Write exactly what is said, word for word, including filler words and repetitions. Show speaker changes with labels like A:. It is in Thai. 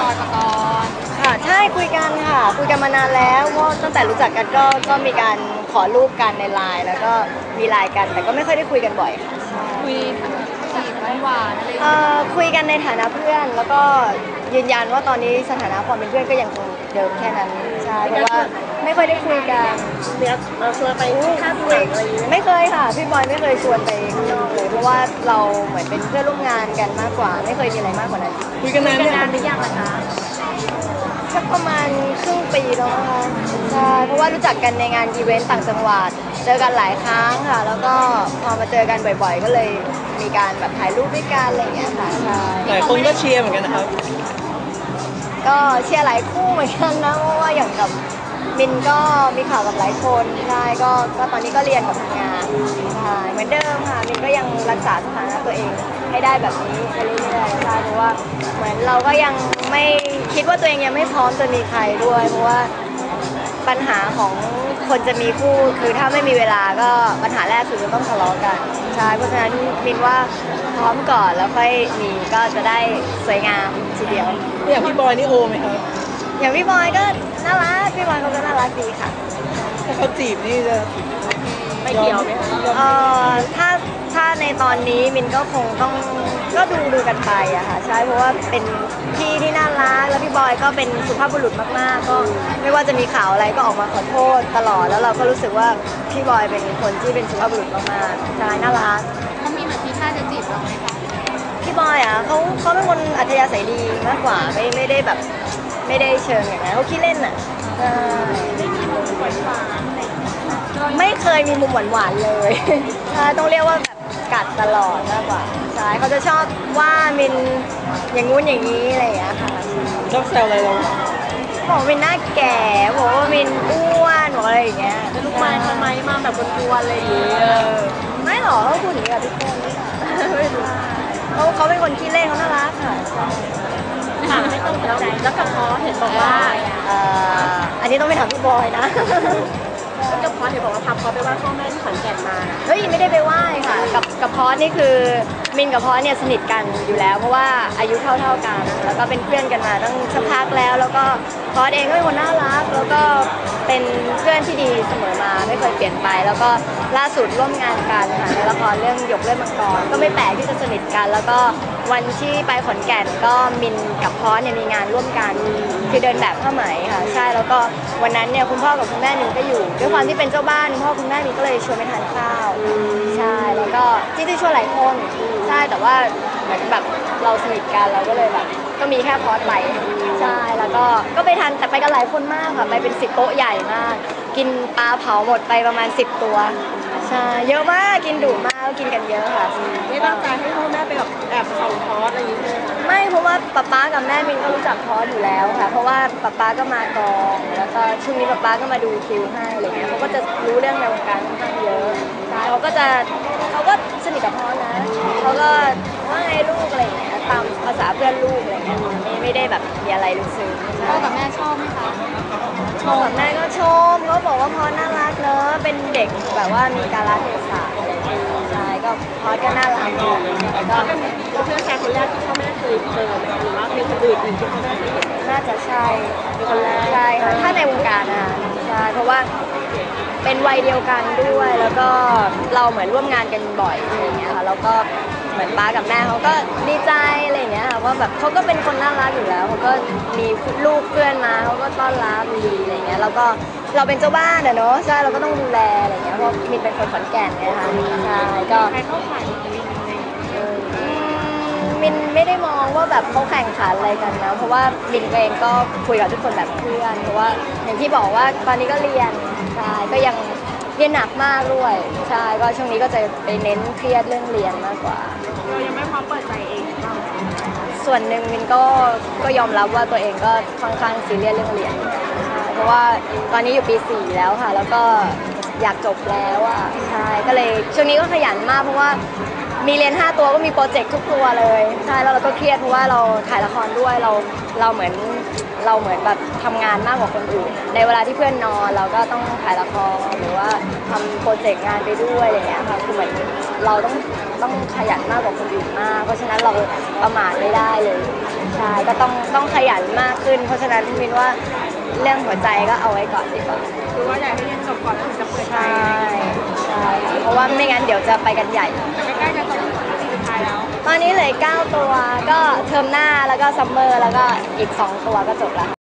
A: บอยปกรณ์
B: ค่ะใช่คุยกันค่ะคุยกันมานานแล้วเพราะตั้งแต่รู้จักกันก็ก็มีการขอรูปกันในไลน์แล้วก็มีไลน์กันแต่ก็ไม่ค่อยได้คุยกันบ่อยค่ะ
A: คุยจีบหวานอะไร
B: เอ่อคุยกันในฐานะเพื่อนแล้วก็ยืนยันว่าตอนนี้สถานะความเป็นเพื่อนก็ยังคงเดิมแค่นั้นใช่เพราะว่าไม่ค่อยได้คุยกัน
C: เดี๋ยวเราชวนไปข้าวเปลือกอะไรอย่างเงี้ย
B: ไม่เคยค่ะพี่บอยไม่เคยชวนไปข้างนอกเลยเพราะว่าเราเหมือนเป็นเพื่อนร่วมงานกันมากกว่าไม่เคยมีอะไรมากกว่านั้น
C: คุยกันนาน
A: นานหรือยังล่ะคะ
B: สักประมาณครึ่งปีแล้วนะคะใช่เพราะว่ารู้จักกันในงานอีเวนต์ต่างจังหวัดเจอกันหลายครั้งค่ะแล้วก็พอมาเจอกันบ่อยๆก็เลยมีการแบบถ่ายรูปด้วยกันอะไรอย่างเงี้ยค่ะใช่
C: หลายคนก็เชียร์เหมือนกันนะครับ
B: ก็เชียร์หลายคู่เหมือนกันนะเพราะว่าอย่างกับมินก็มีข่าวกับหลายคนใช่ก็ก็ตอนนี้ก็เรียนกับทำงานใช่เหมือนเดิมค่ะมินก็ยังรักษาสถานะตัวเองให้ได้แบบนี้ไปเรื่อยๆใช่เพราะว่าเหมือนเราก็ยังไม่คิดว่าตัวเองยังไม่พร้อมจะมีใครด้วยเพราะว่าปัญหาของคนจะมีคู่คือถ้าไม่มีเวลาก็ปัญหาแรกคือจะต้องทะเลาะกันใช่เพราะฉะนั้นมินว่าพร้อมก่อนแล้วค่อยมีก็จะได้สวยงามทีเดียว
C: อย่างพี่บอยนี่โอไหมครับ
B: อย่างพี่บอยก็น่ารักพี่บอยเขาก็น่ารักดีค่ะ
C: ถ้าเขาจีบนี่จะ
B: ไม่เกี่ยวไหมคะเอ่อถ้าถ้าในตอนนี้มินก็คงต้องก็ดูดูกันไปอะค่ะใช่เพราะว่าเป็นพี่ที่น่ารักแล้วพี่บอยก็เป็นสุภาพบุรุษมากๆก็ไม่ว่าจะมีข่าวอะไรก็ออกมาขอโทษตลอดแล้วเราก็รู้สึกว่าพี่บอยเป็นคนที่เป็นสุภาพบุรุษมากๆใช่น่ารัก
A: เขามีเหมือนที่ท่าจะจีบเราไหมคะ
B: พี่บอยอะเขาเขาเป็นคนอัธยาศัยดีมากกว่าไม่ไม่ได้แบบไม่ได้เชิงอย่างนั้นเขาขี้เล่นอะ
A: ไม่มีมุมหวานหวาน
B: ไม่เคยมีมุมหวานๆเลยใช่ต้องเรียกว่าแบบกัดตลอดมากกว่าใช่เขาจะชอบว่ามินอย่างงู้นอย่างนี้อะไรอย่างเงี้ยค่ะ
C: ชอบแซวอะไรเรา
B: บอกมินหน้าแก่บอกว่ามินอ้วนบอกอะไรอย่างเงี้ย
C: ลูกไม้ทำไมมาแบบกวนๆอะไรอย่างเงี้ย
B: ไม่หรอกเขาพูดอย่างนี้กับทุกคนไม่รู้เขาเขาเป็นคนขี้เล่นเขาน่ารักค่ะ
A: ถามไม่ต้องตกใจแล้วกับพอเห็นบอกว่า
B: อันนี้ต้องไปถามพี่บอยนะ
C: แล้วกับพอเห็นบอกว่าพาพอไปไหว้พ่อแม่ที่ขอนแก่นมา
B: เฮ้ยไม่ได้ไปไหว้ค่ะกับกับพอนี่คือมินกับพอเนี่ยสนิทกันอยู่แล้วเพราะว่าอายุเท่าๆกันแล้วก็เป็นเพื่อนกันมาตั้งสักพักแล้วแล้วก็พอเองก็เป็นคนน่ารักแล้วก็เป็นเพื่อนที่ดีเสมอมาไม่เคยเปลี่ยนไปแล้วก็ล่าสุดร่วมงานกันค่ะในละครเรื่องหยกเล่นมังกรก็ไม่แปลกที่จะสนิทกันแล้วก็วันที่ไปขอนแก่นก็มินกับพอเนี่ยมีงานร่วมกันคือเดินแบบผ้าไหมค่ะใช่แล้วก็วันนั้นเนี่ยคุณพ่อกับคุณแม่มินก็อยู่ด้วยความที่เป็นเจ้าบ้านคุณพ่อคุณแม่มินก็เลยชวนไปทานข้าวใช่แล้วก็จริงๆชวนหลายคนใช่แต่ว่าเหมือนแบบเราสนิทกันเราก็เลยแบบก็มีแค่พอสไปใช่แล้วก็ก็ไปทานแต่ไปกันหลายคนมากค่ะไปเป็นสิบโต๊ะใหญ่มากกินปลาเผาหมดไปประมาณสิบตัวใช่เยอะมากกินดุมากกินกันเยอะค่ะ
C: ไม่ตั้งใจให้พ่อแม่ไปแบบแอบส่องพอสอะไรอย่างเงี้ย
B: ไม่เพราะว่าป๊าป๊ากับแม่มินก็รู้จักพอสอยู่แล้วค่ะเพราะว่าป๊าป๊าก็มากองแล้วก็ช่วงนี้ป๊าป๊าก็มาดูคิวให้อะไรเงี้ยเขาก็จะรู้เรื่องในวงการค่อนข้างเยอะใช่เขาก็จะเขาก็สนิทกับพอสนะเขาก็ว่าไงลูกอะไรเงี้ยตามภาษาเพื่อนลูกอะไรเงี้ยไม่ไม่ได้แบบมีอะไรลึกซึ้ง
A: พ่อกับแม่ชอบไหมคะ
B: พ่อกับแม่ก็ชมเขาบอกว่าพอน่ารักเนอะเป็นเด็กแบบว่ามีกาลเทศะอะไรอย่างเงี้ยใช่ก็พอก็น่ารักดีแล้วก็
C: เพื่อนชายคนแรกที่พ่อแม่เคยเจอไหมหรือว่ามีคนอื่นอีกที่พ่อแม่เคยเห็น
B: น่าจะใช่คนแรกใช่ค่ะถ้าในวงการอ่ะใช่เพราะว่าเป็นวัยเดียวกันด้วยแล้วก็เราเหมือนร่วมงานกันบ่อยอะไรอย่างเงี้ยค่ะแล้วก็เหมือนป้ากับแม่เขาก็ดีใจอะไรอย่างเงี้ยค่ะว่าแบบเขาก็เป็นคนน่ารักอยู่แล้วเขาก็มีลูกเพื่อนมาเขาก็ต้อนรับดีอะไรเงี้ยแล้วก็เราเป็นเจ้าบ้านอะเนาะใช่เราก็ต้องดูแลอะไรเงี้ยเพราะมินเป็นคนขอนแก่นไงคะใช่ก็
A: ใครเข้าข่าย
B: มินไม่ได้มองว่าแบบเขาแข่งขันอะไรกันนะเพราะว่ามินเองก็คุยกับทุกคนแบบเพื่อนเพราะว่าอย่างที่บอกว่าตอนนี้ก็เรียนใช่ก็ยังเรียนหนักมากด้วยใช่ก็ช่วงนี้ก็จะไปเน้นเครียดเรื่องเรียนมากกว่า
A: เรายังไม่พร้อมเปิดใจเองบ้าง
B: ส่วนหนึ่งมินก็ก็ยอมรับว่าตัวเองก็ค่อนข้างซีเรียสเรื่องเรียนใช่เพราะว่าตอนนี้อยู่ปีสี่แล้วค่ะแล้วก็อยากจบแล้วอ่ะใช่ก็เลยช่วงนี้ก็ขยันมากเพราะว่ามีเรียนห้าตัวก็มีโปรเจกต์ทุกตัวเลยใช่แล้วเราก็เครียดเพราะว่าเราถ่ายละครด้วยเราเราเหมือนเราเหมือนแบบทำงานมากกว่าคนอื่นในเวลาที่เพื่อนนอนเราก็ต้องถ่ายละครหรือว่าทำโปรเจกต์งานไปด้วยอะไรอย่างเงี้ยค่ะคือเหมือนเราต้องต้องขยันมากกว่าคนอื่นมากเพราะฉะนั้นเราประมาทไม่ได้เลยใช่ก็ต้องต้องขยันมากขึ้น เพราะฉะนั้นมินว่าเรื่องหัวใจก็เอาไว้ก่อนดีกว่า
C: คือว่าอยากให้เรียนจบก่อนแล้วถึงจะเปิดใจ
B: ใช่ใช่ค่ะเพราะว่าไม่งั้นเดี๋ยวจะไปกันใหญ่
C: แต่ใกล้ๆจะจบปีสุดท้ายแล้ว
B: ตอนนี้เหลือเก้าตัวก็เทอมหน้าแล้วก็ซัมเมอร์แล้วก็อีกสองตัวก็จบแล้ว